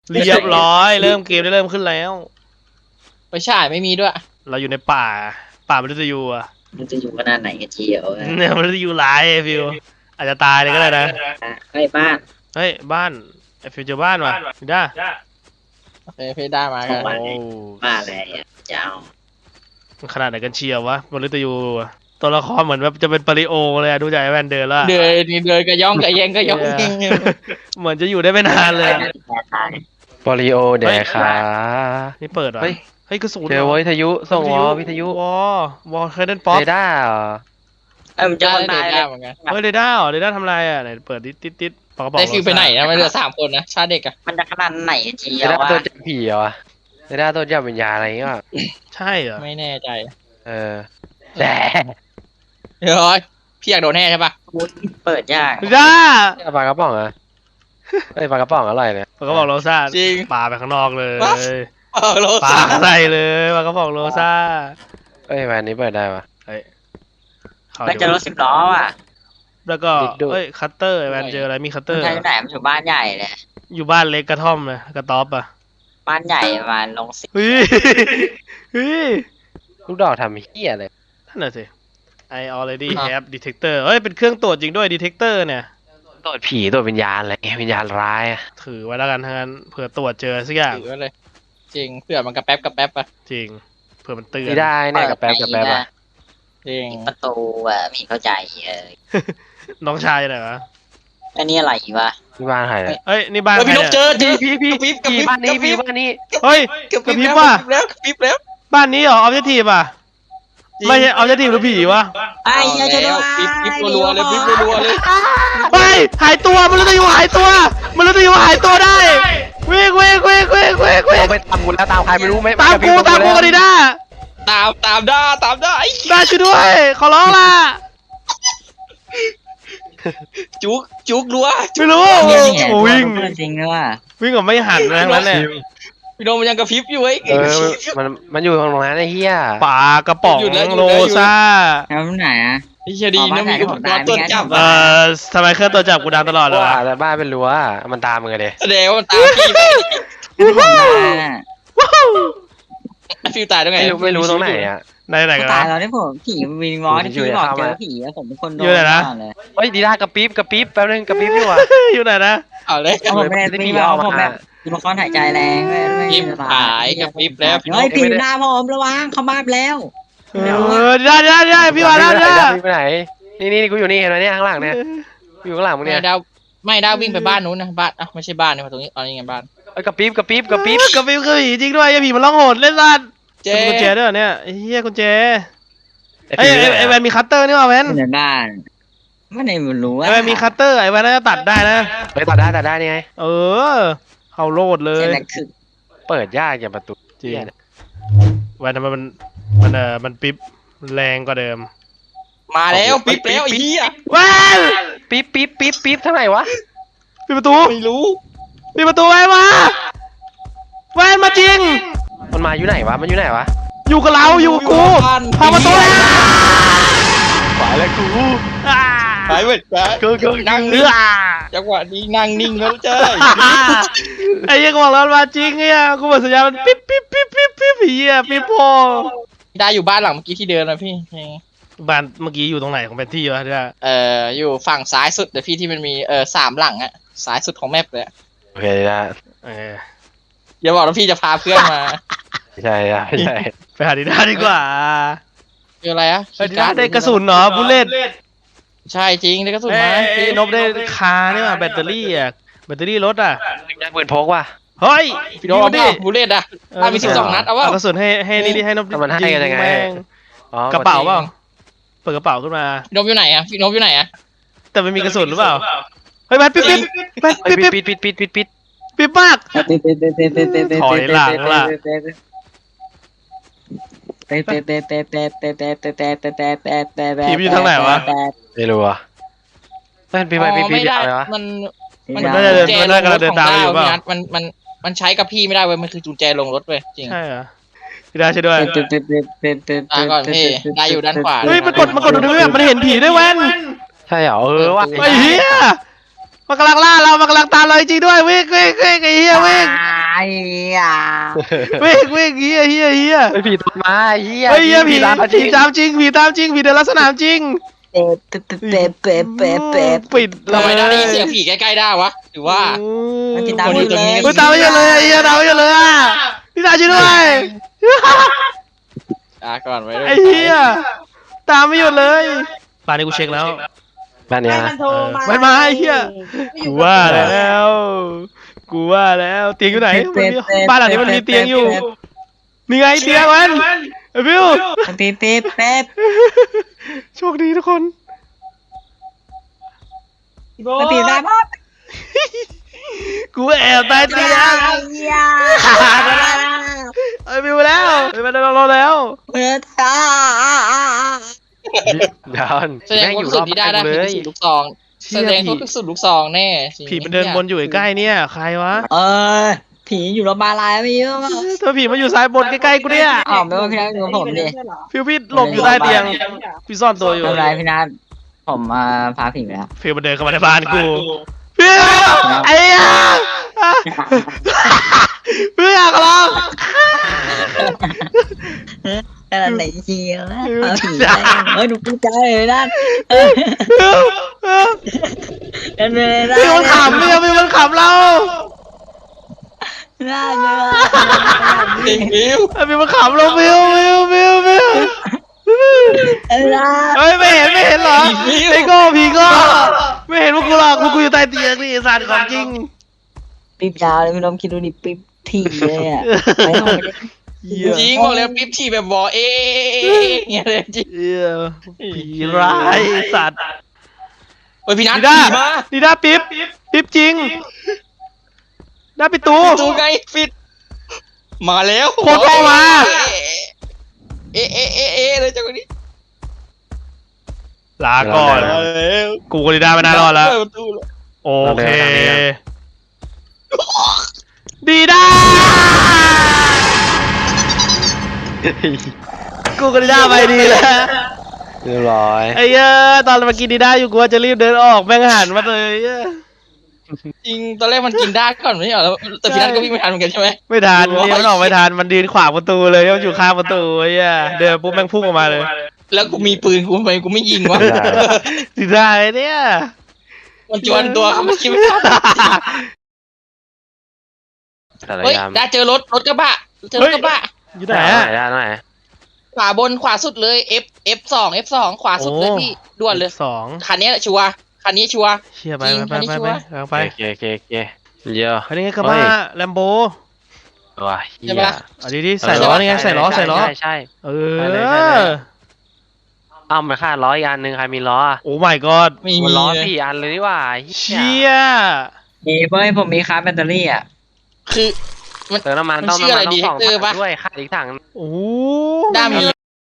เรียบร้อยเริ่มเกมได้เริ่มขึ้นแล้วไปฉายไม่มีด้วยเราอยู่ในป่ามฤตยูอ่ะมันจะอยู่ขนาดไหนกันเชียวเนี่ยมฤตยูร้ายไอ้ฟิวอาจจะตายเลยก็ได้นะไอ้บ้านเฮ้ยบ้านไอ้ฟิวเจอบ้านว่ะไม่ได้โอเคพี่ได้มากันโอ้บ้านอะไรอ่ะจะเอามันขนาดไหนกันเชียววะมฤตยูอะตัวละครเหมือนแบบจะเป็นปาริโอเลยอะดูจากไอ้แวนเดินแล้วอะเดินนี่เดินกระย่องกระแยงกระย่องเองเหมือนจะอยู่ได้ไม่นานเลยอะปอลิโอแดกขานี่เปิดเหรอเฮ้ยเฮ้ยกระสุนเจอวิทยุส่งวอวิทยุวอลเคยเล่นป๊อปเรดาร์เหรอมันจะได้คนได้ตายเลยเหมือนกันเฮ้ยเรด้าเหรอเรด้าทำไรอ่ะไหนเปิดติดปากกระป๋องได้ฟิวไปไหนนะมันเหลือ3 คนนะชาเด็กอะมันจะขนาดไหนกันเชีเรยวดาร์วะตัวจับผีเหรอเรดาร์ตัวจับวิญญาณอะไรอย่างเงี้ยใช่เหรอไม่แน่ใจเออแต่เฮ้ยพี่อยากโดนแน่ใช่ปะเปิดยากเรด้าปลากระป๋องอะเอ้ยปลากระป๋องอร่อยเลยปากกระป๋องโรซ่าจริงปาไปข้างนอกเลยโลปาซ่าใส่เลยปากกระป๋องโรซ่าเอ้ยวันนี้เปิดได้ปะเฮ้ยเข้าแล้วดีจะกรว่าถ10 ล้ออ่ะแล้วก็ดิดดูเฮ้ยคัตเตอร์แวนเจออะไรมีคัตเตอมันร์ใช่ไหนมันอยู่บ้านใหญ่เลยอยู่บ้านเล็กกระท่อมเลยกระต๊อบอ่ะบ้านใหญ่ประมาณลงสิเฮ้ยเฮ้ยลูกดอกทำเหี้ยเลยนั่นน่ะสิ I already have detector เฮ้ยเป็นเครื่องตรวจจริงด้วย detector เนี่ยตรวจผีตรวจวิญญาณอะไรวิญญาณร้ายอะถือไว้แล้วกันทั้งนั้นเผื่อตรวจเจอสักอย่างถือไว้เลย จริงเผื่อมันกระแป๊บกระแป๊บอะจริงเผื่อมันเตือนไม่ได้เนี่ยกับแป๊บกับแป๊บอะจริงประตูอ่ะไม่เข้าใจน้องชายไหนวะอันนี้อะไรวะที่บ้านใครเนี่ยเฮ้ยนี่บ้านเฮ้ยใครพี่นกเจเนี่ยอพี่กระพริบบ้านนี้กระพริบบ้านนี้เฮ้ยกระพริบกระพริบแล้วว่ะกระพริบแล้วบ้านนี้เหรอ objective อ่ะจริงไม่ใช่ objective หรือผีวะไอ้เหี้ยจะด้วยปิ๊บรัวๆเลยปิ๊บรัวๆเลยเฮ้ยหายตัวมันรู้จะอยู่หายตัวมันรู้จะอยู่หายตัวได้วิ่งเราไปตามกูแล้วตามใครไม่รู้ไม่ตามกูกันดีด้าตามได้ไอ้ด้าช่วยด้วยขอร้องล่ะจุกรัวไม่รู้เนี่ยเนี่ยโอ้วิ่งเพื่อนจริงเลยว่ะวิ่งกับไม่หันนะนั้นแหละพี่นกมันยังกระพริบอยู่ไอ้เออมันอยู่ตรงนั้นไอ้เหี้ยปากระป๋องโรซ่าแล้วไหนอ่ะไอ้เชียดีนะมีอุปกรณ์ตรวจจับทำไมเครื่องตัวจับกูดังตลอดเลยวะแต่บ้านเป็นรั้วมันตามมึงเลยแสดงว่ามันตามพี่ฟิวตายได้ไงไม่รู้ตรงไหนอ่ะไหนกันตานะยแล้วนี่ผมผีวิงวอลที่พี่บอกเจอผีแล้วผมเป็นคนโดนอยู่ไหนนะก่อเลยเฮ้ยดีด้ากระปิ๊บแป๊บนึงกระปิ๊บอยู่อ่ะอยู่ไหนนะเอาเลยเอาผมไม่ได้พี่บอกผมแบบตัวละครหายใจแรงไม่พริบหายกับพริบแล้วเฮ้ยผีหน้าผมระวังเข้ามาแล้วได้พี่มาแล้วเนี่ยไปไหนนี่กูอยู่นี่เห็นไหมเนี่ยข้างหลังเนี่ยอยู่ข้างหลังมึงไม่เนี่ยดาวไม่ดาววิ่งไปบ้านนู้นนะบ้านอ่ะไม่ใช่บ้านนี่มาตรงนี้เอานี่ไงบ้านกระปิ๊บกระปิบคือผีจริงด้วยไอ้ผีมันร้องโหดเล่นสัตว์เจ๊กุญแจด้วยเนี่ยไอ้เหี้ยกุญแจไอ้แวนมีคัตเตอร์นี่ป่ะแวนในบ้านไม่ได้รู้ว่าไอ้แวนมีคัตเตอร์ไอ้แวนน่าจะตัดได้นะไปตัดได้นี่ไงเออเขาโลดเลยแต่คือเปิดยากอย่างประตูจริงแวนทำไมมันปิ๊บแรงกว่าเดิมมาแล้วปิ๊บแล้วไอ้เหี้ยแวนปิ๊บทำไมวะปิดประตูไม่รู้ปิดประตูแวนมาแวนมาจริงมันมาอยู่ไหนวะมันอยู่ไหนวะอยู่กับเราอยู่กับกูพาประตูแล้วขวาแล้วกูหายไปนั่งเอนิ่งอจังหวะนี้นั่งนิ่งแล้วเจ้ยไอ้เหี้ยกูบอกแล้วมันมาจริงเนี่ยกูบอกสัญญามันปิ๊บเหี้ยปิ๊บพอได้อยู่บ้านหลังเมื่อกี้ที่เดินนะพี่บ้านเมื่อกี้อยู่ตรงไหนของแผนที่วะเนี่ยอยู่ฝั่งซ้ายสุดเดี๋ยวพี่ที่มันมี3 หลังอะซ้ายสุดของแมปเลยโอเคนะอย่าบอกว่าพี่จะพาเพื่อนมาใช่ไปหาดีด้าดีกว่าคืออะไรอะดีด้าได้กระสุนเหรอบุลเลตใช่จริงได้กระสุนมานบได้คาเนี่ยแบตเตอรี่อะแบตเตอรี่รถอะได้ปืนพกว่ะเฮ้ยพี่โดนเอาบูเลตอะมี12 นัดเอาว่ากระสุนให้นี่ดิให้นบมันให้กันยังไงแม่งอ๋อกระเป๋าเปล่าเปิดกระเป๋าขึ้นมาพี่นบอยู่ไหนอะพี่นบอยู่ไหนอะแต่ไม่มีกระสุนหรือเปล่าเฮ้ยแบตปิ๊บมาก ถอยหลังล่ะ ผีมันอยู่ทางไหนวะไม่รู้อ่ะมันปีไม่ได้อะไรวะมันน่าจะเดินน่าจะเดินตามอยู่เปล่ามันใช้กับพี่ไม่ได้เว้ยมันคือจุญแจลงรถเว้ยจริงใช่เหรอดีด้าช่วยด้วยก่อนพี่ได้อยู่ด้านขวาเฮ้ยมันกดดูด้วยมันเห็นผีด้วยแว่นใช่เหรอว่ะไอ้เหี้ยมันกำลังล่าเรามันกำลังตามเราจริงด้วยวิ่งไอ้เหี้ยวิ่งอ่ะวิ่งเฮียไปผีตามมาเฮียเฮ้ยเฮียผีตามมาจผีริงตามจริงผีตามจริงผีเดินลักษณะจริงเป๊ะเป๊ะเป๊ะเป๊ะเป๊ะเป๊ะปิดเลทำไมยได้ยินเสียงผีใกล้ๆได้วะหรือว่ามันติดตามหมดเลยเฮ้ยตามไม่หยุดเลยเฮียตามไม่หยุดเลยอ่ะพี่ตาช่วยด้วยก่อนไว้ด้วยไอ้เฮียตามไม่หยุดเลยป่านนี้กูเช็คแล้วบ้านเนี้ยให้มันโทรมาไม่มาไอ้เหี้ย กูว่าแล้วเตียงอยู่ไหนมันมีบ้านหลังนี้มันมีเตียงอยู่นี่ไงเตียงมันไอ้บิวเป๊ะเป๊ะเป๊ะโชคดีทุกคนพี่โบมันติดตามมากูแอบใต้เตียงไอ้บิวแล้วไอ้มันเราแล้วเมื่อท้าเดี๋ยวแสดงแม่งว่าอยู่สุรดอบที่ได้บ้านได้กูเลผียสุดลูกซองแสดงว่าคือสุดลูกซองแน่จริงผีมันเดินวนอยู่ใกล้ๆเนี่ยใครวะผีอยู่โรงพยาบาลอะไรไม่รู้เธอผีมาอยู่ซ้ายบนใกล้ๆกูเนี่ยอ๋อไม่ว่าพี่นัทอยู่กับผมดิฟิวพี่หลบอยู่ใต้เตียงพี่ซ่อนตัวอยู่ไม่เป็นไรพี่นัทผมพาผีไปแล้วฟิวมันเดินเข้ามาในบ้านกูฟิวไอ้ยาฟิวอยากลองอะไรไหนเชียวนะเอาผีได้หนูพูดใจเลยนั่นนั่นเลยนะฟิวมันขำเนี่ยฟิวมันขำเราน่าเบื่อจริงวิวไอ้ฟิวมันขำเราฟิวเฮ้ยไม่เห็นเหรอไอ้โก้ผีโก้ไม่เห็นพวกกูหรอกพวกกูอยู่ใต้เตียงนี่ไอ้สัตว์ของจริงปิ๊บยาวเลยพี่น้องคิดดูดิปิ๊บที่เลยอ่ะไม่ต้องไปเหี้ยจริงบอกเลยปิ๊บที่แบบบอเงี้ยเลยจริงเหี้ยผีร้ายไอ้สัตว์เฮ้ยพี่นัทดีด้าผีมาดีด้าปิ๊บจริงด้าปิดตูตูไงฟิตมาแล้วโคตรเข้ามาเอะเลยจังหวะนี้ลาก่อนมาแล้วกูกับดีด้าไม่น่ารอดแล้วเปิดประตูแล้วโอเค ดีด้ากูกับดีด้าไปดีแล้วเรียบร้อยไอ้เหี้ยตอนเมื่อกี้ดีด้าอยู่กูว่าจะรีบเดินออกแม่งหันมาเลยเหี้ยจริงตอนแรกมันกินได้ก่อนไม่ใช่เหรอแล้วแต่พี่นัทก็วิ่งไม่ทันเหมือนกันใช่ไหมไม่ทันนี่มันออกไม่ทันมันยืนขวางประตูเลยมันอยู่ข้างประตูไอ้เหี้ยเดินปุ๊บแม่งพุ่งออกมาเลยแล้วกูมีปืนกูทำไมกูไม่ยิงวะดีด้าไอ้เนี่ยมันจวนตัวเขาไม่คิดไม่ทันแต่ละเฮ้ยยามได้เจอรถกระบะเจอรถกระบะอยู่ไหนอะได้ไหนขวาบนขวาสุดเลย F2 ขวาสุดเลยพี่ด่วนเลยสองคันนี้ชัวร์คันนี้ชัวร์เชี่ยไปจริงไปอันนี้ไปชัไปวร์กำลังไปโอเคเยอะอันนี้ไงกระบะแลมโบว้าเฮียอันนี้ที่ใส่ล้อนี่ไงใส่ล้อใช่เอใช่เลยอเอ้ามันขาดล้ออีกอันหนึ่งใครมีล้ออ่ะโอ้ my god ไม่มันมีล้อเลย 4 อันเลยนี่หว่าเฮีเชี่ยยมีเว้ยผมมีคาร์แบตเตอรี่อ่ะคือเติมน้ำมันมันต้องชื่อน้ำอะไรมันต้อง Detector 2 ถัปะงด้วยขาดอีกถังโอ้ด้ามี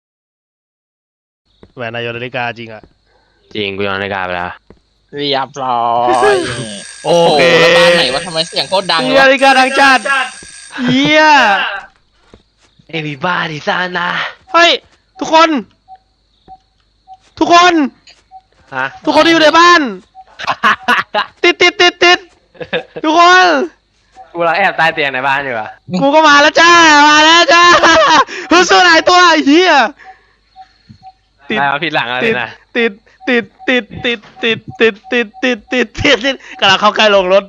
แหวนนายนาฬิกาจริงอะจริงกูยอมนาฬิกาไปแล้วเรียบร้อยโอเคแล้วบ้านไหนว่าทำไมเสียงโคตรดังมีวะนาฬิกาดังจัดเฮีย Everybody ซานะเฮ้ยทุกคน ทุกคนฮะทุกคนที่อยู่ในบ้าน ติดทุกคนกูเราแอบใต้เตียงในบ้านอยู่อ่ะกูก็มาแล้วจ้าฮึสู้หลายตัวไอ้เหี้ย ติดได้มาผิดหลังอะไรนะติดกำลังเข้าใกล้ลงรถ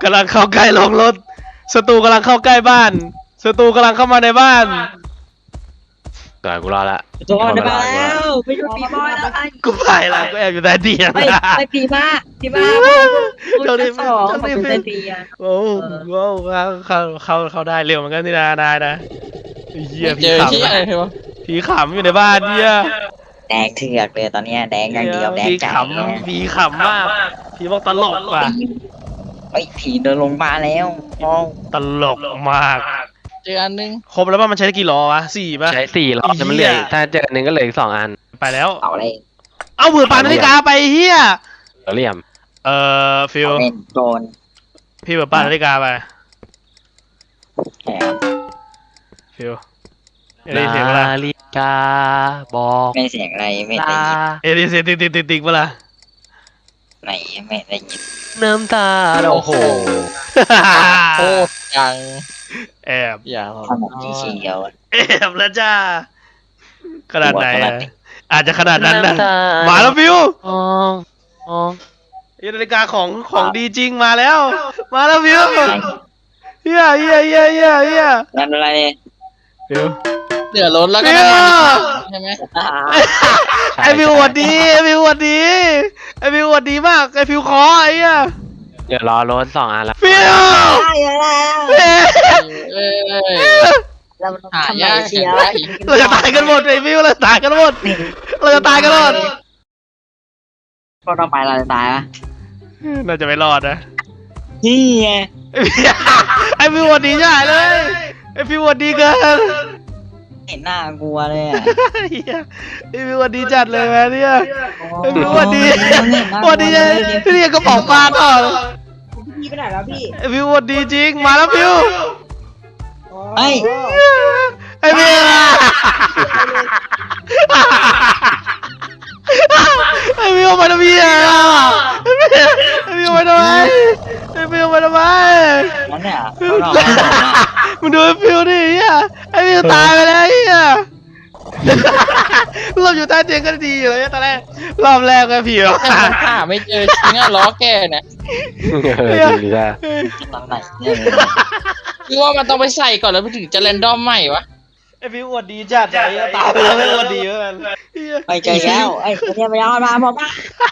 ศัตรูกำลังเข้าใกล้บ้านศัตรูกำลังเข้ามาในบ้านเกิดกูรอละตัวเดินมาแล้วไม่ช่วยผีบอยแล้วกูไปแล้วกูแอบอยู่ใต้เตียงไปผีมาพูดสองผมเป็นเตียงโอ้โหเขาได้เร็วเหมือนกันนี่นะนายนะไอ้เหี้ยเจอที่อะไรวะผีขำอยู่ในบ้านเนี่ยแดงเถือกเลยตอนนี้แดงอย่างเดียวแดงผีใจผีขำมากผีบอกตลกว่ะไอ้ผีเดินลงมาแล้วมองตลกมากเจออันนึงครบแล้วป่ะมันใช้ได้กี่ล้อวะ4ป่ะใช้4 ล้อแต่มันเหลืออีกถ้าเจออันหนึ่งก็เหลืออีก2 อันไปแล้วเอาเลยเอาเผื่อปานนาฬิกาไปเฮียเหลี่ยมฟิลเล่นโดนพี่เผื่อปานนาฬิกาไปแหมฟิลเอลิเสียงเวลานาฬิกาบอกไม่เสียงอะไรไม่ได้ลายินเอลิเสียงติ๊กเวลาไหนไม่ได้ยินน้ำตาโอ้โหโคตรจังแอบอย่าทำแบบสีเขียวอะแอบแล้วจ้าขนาดไหนอะอาจจะขนาดนั้นนะมาแล้วฟิวอ๋ออ๋อนาฬิกาของดีจริงมาแล้ว มาแล้วฟิวเฮียนั่นอะไรเนี่ยฟิวเดือดร้อนแล้วก็น้ำมันใช่ไหมไอฟิวหวัดดีไอฟิวหวัดดีไอฟิวหวัดดีมากไอฟิวขอไอ้เหี้ยเดี๋ยวรอรถ2 อันแล้วฟิวได้แล้วเอ้ยเราหาทำไมยากเชีเห็นยวได้เราจะตายกันหมดไอฟิวเราตายกันหมดเราจะตายกันหมดพวกเราไปเราจะตายปะน่าจะไม่รอดนะนี่ไงไอฟิวหวัดดีใช่เลยไอฟิวหวัดดีเกินเห็นหน้ากลัวเลยอ่ะเหี้ยไอฟิวหวัดดีจัดเลยแม่เนี่ยไอฟิวหวัดดีหวัดดีพี่เรียกกระป๋องปลาต่อพี่ไปไหนแล้วพี่ไอฟิวหวัดดีจริงมาแล้วฟิวเฮ้ยไอฟิวไอฟิวมาทำไมอ่ะไอฟิวมาทำไมไอฟิวมาทำไมนั่นเนี่ยพวกเราไม่ทำนะมึงดูไอฟิวดิเฮียไอฟิวตายไปแล้วเฮียเราอยู่ใต้เตียงก็ดีอยู่เลยตอนแรกรอบแรกไอฟิวแต่มันหาไม่เจอจริงอะล้อแกเนี่ยดีจ้าตอนไหนเนี่ยคือว่ามันต้องไปใส่ก่อนแล้วถึงจะแรนดอมใหม่วะไอฟิวอวดดีจัดใจตายไปแล้วไม่อวดดีเหมือนกันไปเจอแล้วไอ้เนี่ยไปเอามาบอกว่า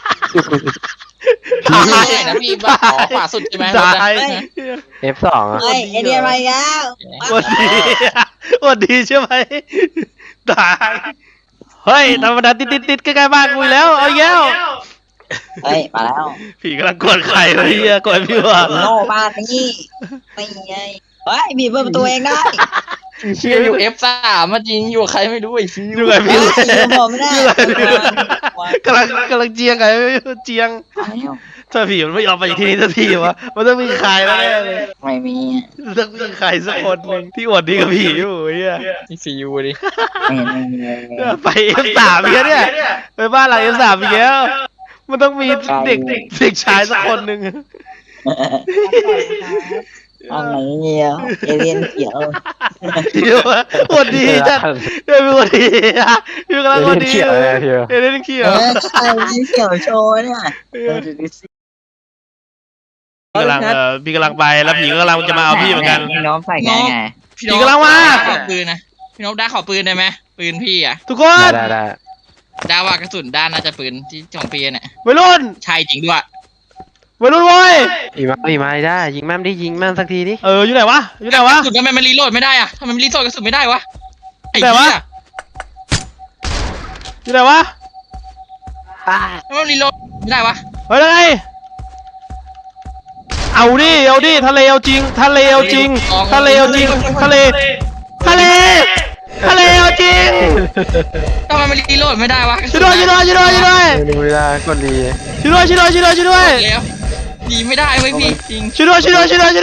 ไม่ใช่นะพี่บ้าขอขวาสุดใช่ไหมตาย F2 อ่ะไอ้เนี่ยไปแล้วอวดดีอวดดีใช่ไหมตายเฮ้ยธรรมดาติดใกล้ๆบ้านกูอีกแล้วเอาอีกแล้วเฮ้ยมาแล้วผีกำลังกดไข่เลยเฮียกดฟิวอ่ะโน่บ้านนี่ไม่ไงเฮ้ยบีบเปิดประตูเองได้เชื่ออยู่ F3 มาจริงอยู่กับใครไม่รู้ไอ้ฟิวอยู่กับฟิวเฮ้ยผมไม่ได้กำลังเจียงไงเจียงถ้าผีมันไม่ยอมไปที่นี่สักทีวะมันต้องมีใครแล้วแน่เลยไม่มีต้องมีใครสักคนหนึ่งที่อวดดีกับผีอยู่เฮียไอ้ฟิวดิไม่มีไป F3 อีกแล้วเนี่ยไปบ้านหลัง F3 อีกแล้วมันต้องมีเด็กชายสักคนหนึ่งอะไรเนี่ยเอเลียนเขียวเดี๋ยวอวดดีจัดเดี๋ยวมีอวดดีอ่ะพี่กำลังอวดดีเขียวเลยพี่เล่นเขียวใช่เขียวโชว์เนี่ยพี่กำลังไปแล้วผีก็กำลังจะมาเอาพี่เหมือนกันน้องใส่ไงไงพี่ผีกำลังมาขอปืนนะพี่นพได้ขอปืนได้ไหมปืนพี่อะทุกคนได้ดาวากระสุนด้านน่าจะปืนที่ของพี่เนี่ยวัยรุ่นใช่จริงด้วยวัยรุ่นเว้ยอีมาได้ยิงแม่มดิยิงแม่มสักทีดิอยู่ไหนวะอยู่ไหนวะกระสุนทำไมมันรีโหลดไม่ได้อะทำไมมันรีโหลดกระสุนไม่ได้วะไอ้แต่เหี้ว่ายอยู่ไหนวะทำไมมันรีโหลดไม่ได้วะเฮ้ยไงเอาดิทะเลเอาจริงทะเลเอาจริงทะเลเอาจริงทะเลเอาจริงทำไมมันรีโหลดไม่ได้วะช่วยด้วยดูเวลากดดีช่วยด้วยแล้วดีไม่ได้เว้ยพี่จริงช่วยด้วยเร็ว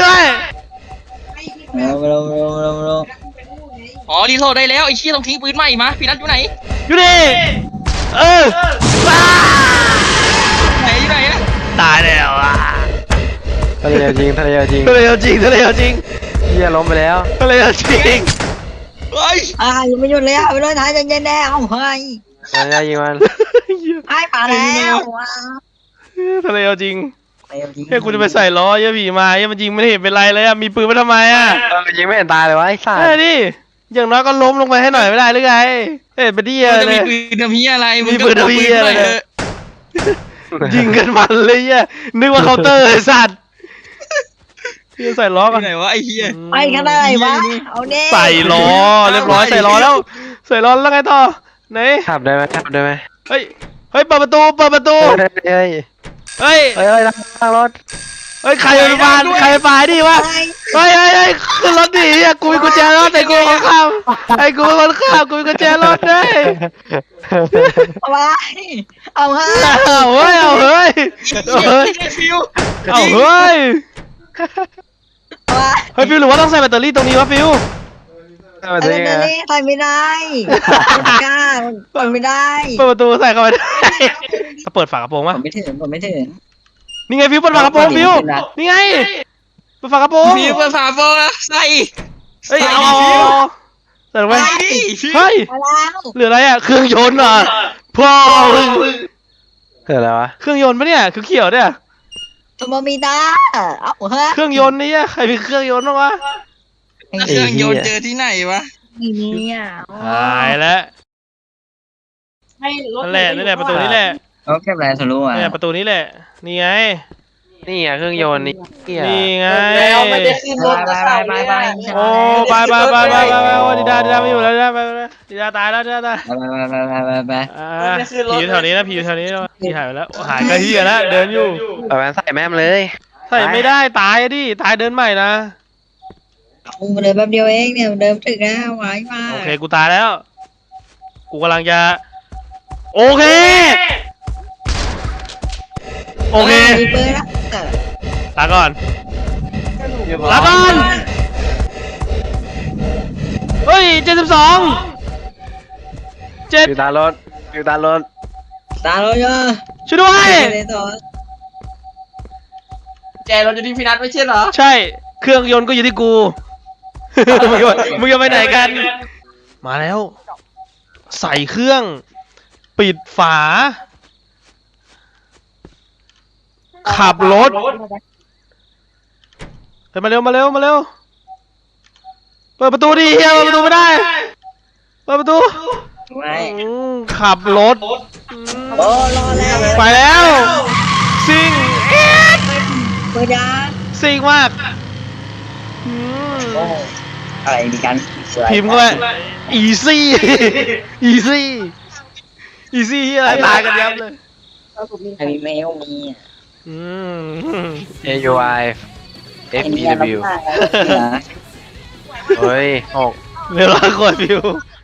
เร็วอ๋อรีโหลดได้แล้วไอ้เชี่ยต้องทิ้งปืนใหม่มาพี่นัทอยู่ไหนอยู่นี่ว้าอยู่ไหนอะตายแล้วอ่ะทะเลจริงทะเลเอาจริงเฮียล้มไปแล้วทะเลเอาจริงเฮ้ยยังไม่หยุดเลยไปเลยท้ายเย็นๆแน่เอาเฮ้ยได้ยิงมันไอ้มาแล้วทะเลเอาจริงเฮ้ยกูจะไปใส่ล้อเยอะผีมาเยอะมันยิงไม่เห็นเป็นไรเลยอ่ะมีปืนมาทำไมอ่ะยิงไม่เห็นตายเลยวะไอ้สัสเฮ้ยดิอย่างน้อยก็ล้มลงไปให้หน่อยไม่ได้หรือไงเฮ้ยไปดิมึงจะเลมียปืนทำเหี้ยอะไรมีปืนทำเหี้ยอะไรเนี่ย ยิงกันมันเลยอ่ะนึกว่าเคาน์เตอร์ไอ้สัตว์พี่ใส่ล้ออกันยู่ไหนวะไอ้เหี้ยไปกันได้วะเอาเน่ใส่ล้อเรียบร้อยใส่ล้อแล้วใส่ล้อแล้วไงต่อไหนขับได้ไหมเฮ้ยเปิดประตูเฮ้ยเฮ้ยทางรถเฮ้ยใครเป็นบ้านใครไปดิวะเฮ้ยขึ้นรถดิอ่ะกูมีกุญแจรถไอ้กูคนขับไอ้กูคนขับกูมีกุญแจรถได้เอาไปเอาเฮ้ยเอาเฮ้ยฟิวเอาเฮ้ยเอาไปเฮ้ยฟิวหรือว่าต้องใส่แบตเตอรี่ตรงนี้วะฟิวมาไอ้ได้ไงเน่ใส่ไม่ได้กล้าเปิดไม่ได้เปิดประตูใส่เข้าไปได้เปิดฝากระโปรงผวะมไม่ถึงนี่ไงฟิวเปิดฝากระโปรงฟิวนี่ไงฝากระโปรงพี่เปิดฝาโปรงนะใส่เฮ้ยเอาใส่ลงไปใส่ดิพี่เฮ้ยมาแล้วเหลืออะไรอ่ะเครื่องยนต์เหรอพ่อมึงเกิดอะไรวะเครื่องยนต์ปะเนี่ยคือเขียวเนี่ยโทโมมิดาเอ้าเฮ้ยเครื่องยนต์นี่อะใครมีเครื่องยนต์บ้างวะแล้วเครื่องยนต์เจอที่ไหนวะไม่มีอ่ะหายแล้วให้รถนั่นแหละประตูนี้แหละโอเคแบรนด์ทะลุอ่ะเนี่ยประตูนี้แหละนี่ไงนี่อ่ะเครื่องยนต์นี่อ่ะนี่ไงแล้วไม่ได้ขึ้นรถไปก็ไปเข้าไปไม่ไปได้โอ้ไปโอ้ดิดาไม่อยู่แล้วดิดาไปดิดาตายแล้วดิดาตายไปผีอยู่แถวนี้นะผีอยู่แถวนี้นะผีหายไปแล้วหายก็เฮียแล้วเดินอยู่เอาแว่นใส่แม่มเลยใส่ไม่ได้ตายดิตายเดินใหม่นะกูเดินแป๊บเดียวเองเนี่ยเดินถึงแล้วไว้มาโอเคกูตายแล้ว กูกำลังจะโอเคโอเคมีเบอร์ละลาก่อนลาก่อนเฮ้ย72 7 อยู่ตารถอยู่ตารถตาเราเยอะช่วยด้วยแจรถอยู่ที่พี่นัทไม่ใช่เหรอใช่ เครื่องยนต์ก็อยู่ที่กู มึงจะไปไหนกัน มาแล้ว ใส่เครื่อง ปิดฝา ขับรถเฮ้ยมาเร็ว เปิดประตูดิเฮียเปิดประตูไม่ได้ เปิดประตูไม่ขับรถโอ้รอแล้วไปแล้ว ซิ่งเบอร์ยาซิ่งมากอืมอะไรมีกันพิมพ์เข้าไป easy easy easy อะไรตายกันยับเลยไอ้เมลมีอืม AUI FEW เฮ้ย6 เรียบร้อยกดวิว